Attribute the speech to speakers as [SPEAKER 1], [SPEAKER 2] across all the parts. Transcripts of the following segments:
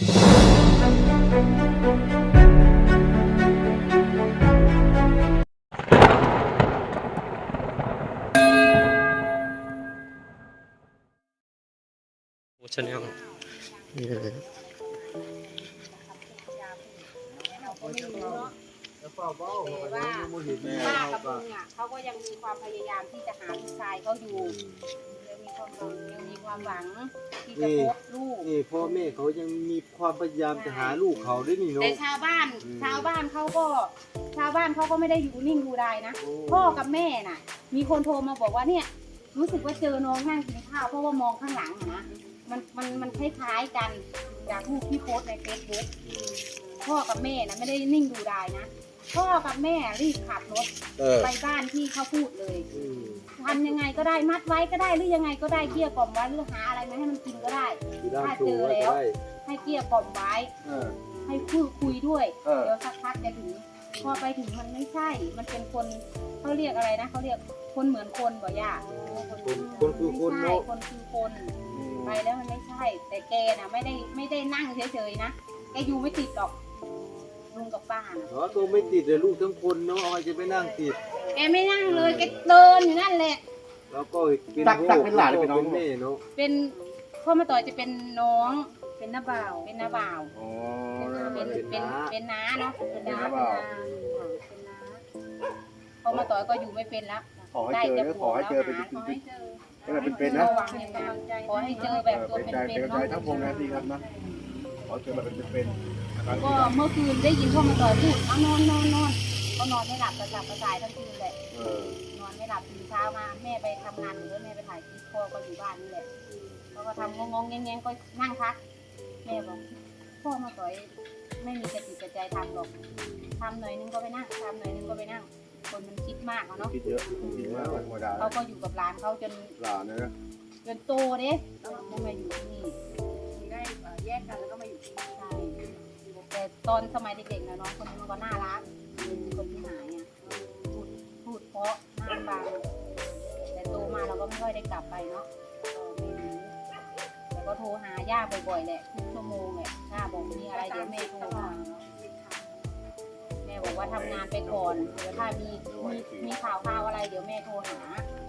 [SPEAKER 1] ชาแนลนี่เลย
[SPEAKER 2] ป้ากระบุงอ่ะเขาก็ยังมีความพยายามที่จะหาลูกชายเขาอยู่ยังมีความหวังที่จะพบลูก
[SPEAKER 3] นี่พ่อแม่เขายังมีความพยายามจะหาลูกเขาด้วยนี่เนาะ
[SPEAKER 2] แต่ชาวบ้านเขาก็ไม่ได้อยู่นิ่งดูดายนะพ่อกับแม่น่ะมีคนโทรมาบอกว่าเนี่ยรู้สึกว่าเจอน้องนั่งกินข้าวเพราะว่ามองข้างหลังนะมันคล้ายๆกันจากรูปที่โพสในเฟซบุ๊กพ่อกับแม่นะไม่ได้นิ่งดูดายนะพ่อกับแม่รีบขับรถไปบ้านที่เขาพูดเลยทำยังไงก็ได้มัดไว้ก็ได้หรือยังไงก็ได้เกลี้ยกล่อมไว้หรือหาอะไรมาให้มันกินก็ได้ถ้าเจอแล้วให้เกลี้ยกล่อมไว้ให้พูดคุยด้วยเดี๋ยวสักพักจะถึงพอไปถึงมันไม่ใช่มันเป็นคนเขาเรียกอะไรนะเขาเรียกคนเหมือนคนบ่ย่า
[SPEAKER 3] คนคือคนเนาะ
[SPEAKER 2] คนคือคนไปแล้วมันไม่ใช่แต่แกน่ะไม่ได้นั่งเฉยๆนะแกอยู่ไม่ติดหรอกลุงกับป้า
[SPEAKER 3] ตัวไม่ติดเลยลูกทั้งคนเนาะเอาจะไปนั่งติด
[SPEAKER 2] แกไม่นั่งเลยแกเดินอยู่นั่นแหละ
[SPEAKER 3] แล้วก็เป็นหลานเป็นน้องแม่เนาะ
[SPEAKER 2] เป็นพ่อมาต่อยจะเป็นน้องเป็นน้าบ่าวเป็นน้าเนาะเป็นน้าพ่อมาต่อยก็อยู่ไม่เป็นแล้ว
[SPEAKER 4] ขอให้เจอขอให้เจอเป็นเป็นนะ
[SPEAKER 2] ขอให้เจอแบบตัวเป็นๆเนาะ
[SPEAKER 4] ทั้งวงนะดีครับนะขอเจอแบบเป็น
[SPEAKER 2] ก็เมื่อคืนได้ยินพ่อมาต่อยพูดนอนก็นอนไม่หลับกระสับกระส่ายทั้งคืนเลยนอนไม่หลับตื่นเช้ามาแม่ไปทำงานหรือแม่ไปถ่ายคลิปพ่อก็อยู่บ้านนี่แหละเขาก็ทำงงๆแงงๆก็นั่งพักแม่บอกพ่อมาต่อยไม่มีกระติกกระใจทำหรอกทำหน่อยนึงก็ไปนั่งทำหน่อยนึงก็ไปนั่งคนมันคิดมากเนาะ
[SPEAKER 4] คิดเยอะคิดมากธรรมดา
[SPEAKER 2] เขาก็อยู่กับหลานเขาจน
[SPEAKER 4] หลานนะ
[SPEAKER 2] จนโตเด้ไม่มาอยู่ที่นี่ได้แยกกันแล้วก็มาอยู่ที่นี่ใช่แต่ตอนสมัยเด็กๆนะน้องคนนี้มันก็น่ารักคนที่หายอ่ะพูดเพราะน่าฟังแต่โตมาเราก็ไม่ค่อยได้กลับไปเนาะแต่ก็โทรหาย่าบ่อยๆแหละทุกชั่วโมงแหละย่าบอกมีอะไรเดี๋ยวแม่โทรมาแม่บอกว่าทำงานไปก่อนเดี๋ยวถ้ามีข่าวอะไรเดี๋ยวแม่โทรหา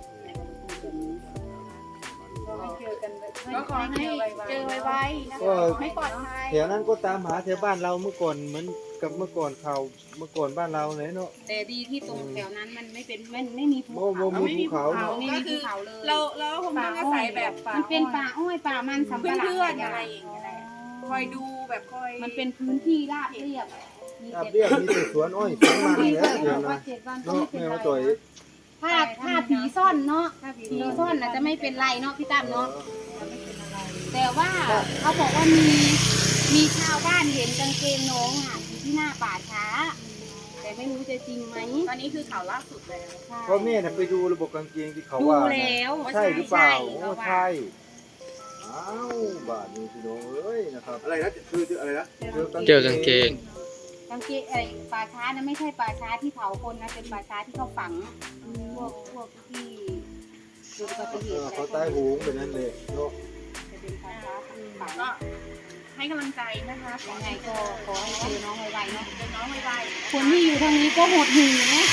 [SPEAKER 2] ก็ขอให้เจอไวๆนะคะไม่ปลอดภัย
[SPEAKER 3] แถวนั้นก็ตามหาแถวบ้านเราเมื่อก่อนเหมือนกับเมื่อก่อนบ้านเราเลยเนาะ
[SPEAKER 2] แต่ดีที่ตรงแถวนั้นมันไม่มีภูเขา
[SPEAKER 3] ไม่มีภูเขา
[SPEAKER 2] ไม่มีภูเขาเลย
[SPEAKER 5] เราคงต้องอาศัยแบบ
[SPEAKER 2] มันเป็นป่าอ้อยป่ามันสำปะหลัง
[SPEAKER 5] เพื่อนอะไรอย่างเงี้ยคอยดูแบบคอย
[SPEAKER 2] มันเป็นพื้นที่ราบเรียบ
[SPEAKER 3] มีแต่สวนอ้อยสวนมันเนี่ยเดี๋ยวนะเนาะแม่มาต่อย
[SPEAKER 2] ถ้าผีซ่อนเนาะผีซ่อนอาจจะไม่เป็นไรเนาะพี่ตั้มเนาะแต่ว่าเขาบอกว่ามีชาวบ้านเห็นกางเกงน้องอ่ะอยู่ที่หน้าป่าช้าแต่ไม่รู้จะจริงไหม
[SPEAKER 5] ตอนนี้คือข่าวล่าสุดเลย
[SPEAKER 3] เพราะแม่ไปดูระบบกางเกงที่เขาว่า
[SPEAKER 2] ดูแล้ว
[SPEAKER 3] ใช่หรือเปล่าใช่อ้าวบาทนี้พี่น้องเอ้ยนะครับ
[SPEAKER 4] อะไรนะคืออะไรนะ
[SPEAKER 1] เจอกางเกง
[SPEAKER 2] ป่าช้านะไม่ใช่ป่าช้าที่เผาคนนะเป็นป่าช้าที่เขาฝังพวกที่ดูอุบัติเหตุ
[SPEAKER 3] เขาตายโหงแบบนั้นเลยเนาะ
[SPEAKER 2] จะเป็นป่าช้าฝัง
[SPEAKER 5] ก็ให้กำลังใจนะคะ
[SPEAKER 2] ยังไงก็ขอให้เจอน้องไวๆเนาะ
[SPEAKER 5] เจอน้องไว
[SPEAKER 2] ๆคนที่อยู่ทางนี้ก็หดหู่นะ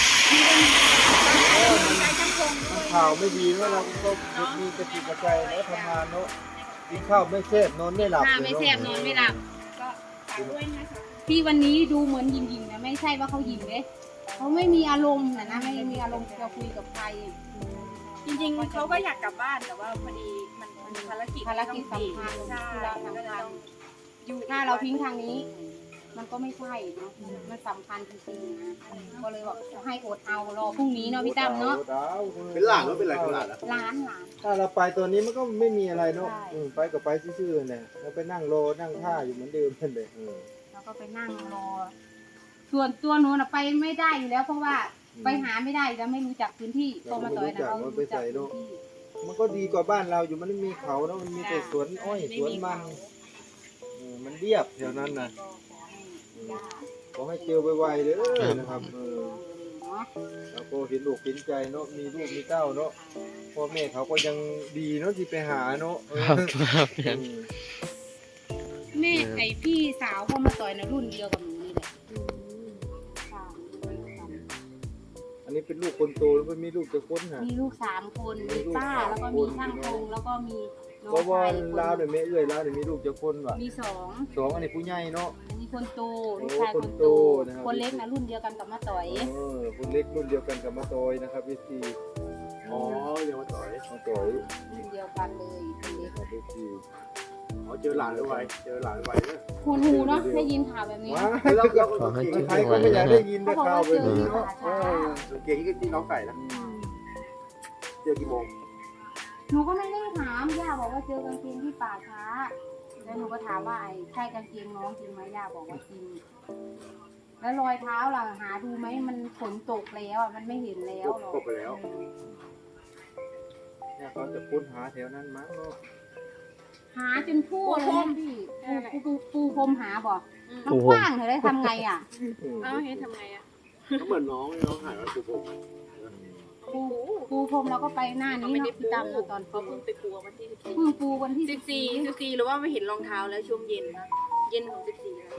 [SPEAKER 3] ข่าวไม่ดีเนาะเราก็มีกระติกกระใจแล้วทำงานเนาะกินข้าวไม่แซ่บนอนไม่หลับ
[SPEAKER 2] ไม่แซ่บนอนไม่หลับ
[SPEAKER 5] ก็ฝากด้วยนะคะ
[SPEAKER 2] ที่วันนี้ดูเหมือนยิงๆนะไม่ใช่ว่าเขายิงเลยเขาไม่มีอารมณ์นะไม่มีอารมณ์จะคุยกับใคร
[SPEAKER 5] จริงๆเขาก็อยากกลับบ้านแต่ว่าพอดีมันภารกิจ
[SPEAKER 2] สำคัญที่เราทำงานอยู่ถ้าเราทิ้งทางนี้มันก็ไม่ใช่เนาะมันสำคัญจริงๆนะก็เลยบอกให้อดเอารอพรุ่งนี้เนาะพี่ตั้มเนาะ
[SPEAKER 4] เป็นหลานหรือเป็นอะไรเป็นหลาน
[SPEAKER 2] ล้าน
[SPEAKER 3] ถ้าเราไปตัวนี้มันก็ไม่มีอะไรเนาะไปก็ไปซื่อๆเนี่ยเราไปนั่งรอนั่งท่าอยู่เหมือนเดิมนั่นเลย
[SPEAKER 2] แล้วก็ไปนั่งรอส่วนตัวหนูน่ะไปไม่ได้อยู่แล้วเพราะว่าไปหาไม่ได้แล้วไม่รู้จักพื้นที่โตมาต่อยนะเรารู้จักพื้นที่
[SPEAKER 3] มันก็ดีกว่าบ้านเราอยู่มันไม่มีเขาแล้วมันมีแต่สวนอ้อยสวนมันเรียบแถวนั้นนะขอให้เจอไวๆเลยนะครับแล้วก็เห็นลูกเห็นใจเนาะมีลูกมีเต้าเนาะพ่อแม่เขาก็ยังดีเนาะที่ไปหาเนาะ
[SPEAKER 2] นแม่ไอพี่สาวพ่อมาต่อยนะรุ่นเดียวกับหนูนี่แหละค่ะ
[SPEAKER 3] อันนี้เป็นลูกคนโตแล้วมันมีลูกจะคนฮะ
[SPEAKER 2] มีลูก3 คนมีป้าแล้วก็มีช่างพงแล้วก็มีน้อ
[SPEAKER 3] เพราะ
[SPEAKER 2] ง
[SPEAKER 3] ว่า
[SPEAKER 2] ชาย
[SPEAKER 3] ลาวเนี่ยแม่เอื้อยลาวเนี่ยมีลูกจะคนว่ะ
[SPEAKER 2] มี2
[SPEAKER 3] สองอันนี้ผู้ใหญ่เนาะ
[SPEAKER 2] มีคนโตลูกชายคนโต
[SPEAKER 3] นะครับ
[SPEAKER 2] คนเล็กนะรุ่นเดียวกันกับมาต่อย
[SPEAKER 3] คนเล็กรุ่นเดียวกันกับมาตอยนะครับพี่ซี
[SPEAKER 4] อ๋อเดี๋ยวมาต่อย
[SPEAKER 3] มาตอย
[SPEAKER 2] รุ่นเดียวกันเลยคนเล็ก
[SPEAKER 3] ครับพี่ซี
[SPEAKER 4] อ๋อเจอหลานไวเจอหลานไวเนี่ย
[SPEAKER 2] หูหูเนาะได้ยินข่าวแบบนี้
[SPEAKER 3] ว้า
[SPEAKER 4] แล้ว
[SPEAKER 1] ขอให้เจอ
[SPEAKER 3] ใคร
[SPEAKER 1] ไว
[SPEAKER 3] ก็ไม่อยาก
[SPEAKER 1] นะ
[SPEAKER 3] ได้ยิน
[SPEAKER 2] เขา
[SPEAKER 3] ได้
[SPEAKER 2] บอก
[SPEAKER 3] ข่าว
[SPEAKER 2] ว่า
[SPEAKER 3] แบบ
[SPEAKER 2] เจอ
[SPEAKER 3] นี้
[SPEAKER 2] ที่
[SPEAKER 3] เนาะ
[SPEAKER 2] ป่าช้า
[SPEAKER 4] เก่งที่น้องไก่นะเจอกี่โมง
[SPEAKER 2] หนูก็ไม่ได้ถามย่าบอกว่าเจอกางเกงที่ป่าช้าแล้วหนูก็ถามว่าไอ้ใช่กางเกงน้องจริงไหมย่าบอกว่าจริงแล้วรอยเท้าล่ะหาดูไหมมันฝนตกแล้วอ่ะมันไม่เห็นแล้วหรอก
[SPEAKER 4] ตกไปแล้ว
[SPEAKER 3] เนี่ยเขาจะค้นหาแถวนั้นมั้งเนาะ
[SPEAKER 2] หาจนทั่วเลยนะพี่ปูพรมหาบอกมันกว้างเธอได้ทำไงอ่ะ
[SPEAKER 5] เอ้าเฮ้ยทำไงอ่ะ
[SPEAKER 4] ก็เหมือนน้องหายแล้วปุ๊บ
[SPEAKER 2] ปูพรมเราก็ไปหน้า
[SPEAKER 5] เขา
[SPEAKER 2] นี้
[SPEAKER 5] ไม่ได้
[SPEAKER 2] เนาะ
[SPEAKER 5] ปู
[SPEAKER 2] พี่ตั้มเนาะตอน
[SPEAKER 5] เขาเพิ่งไปปูวันที่
[SPEAKER 2] เพิ่งปูวันที่
[SPEAKER 5] 14หรือว่าไม่เห็นรองเท้าแล้วช่วงเย็นนะเย็นของ14แล้ว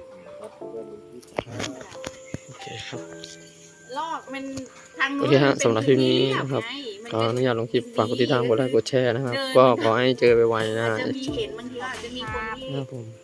[SPEAKER 1] โอเคครับ
[SPEAKER 5] ลอกมันทางนู้
[SPEAKER 1] โอน เคฮะสำหรับคลิปนี้นะครับขออนุญาตลงคลิปฝากกดติดตามกดไลค์กดแชร์นะครับ ก็ขอให้เจอไวๆนะ
[SPEAKER 5] อาจจะมีเห็นบางทีอาจจะมีคนที่
[SPEAKER 1] นะครับผม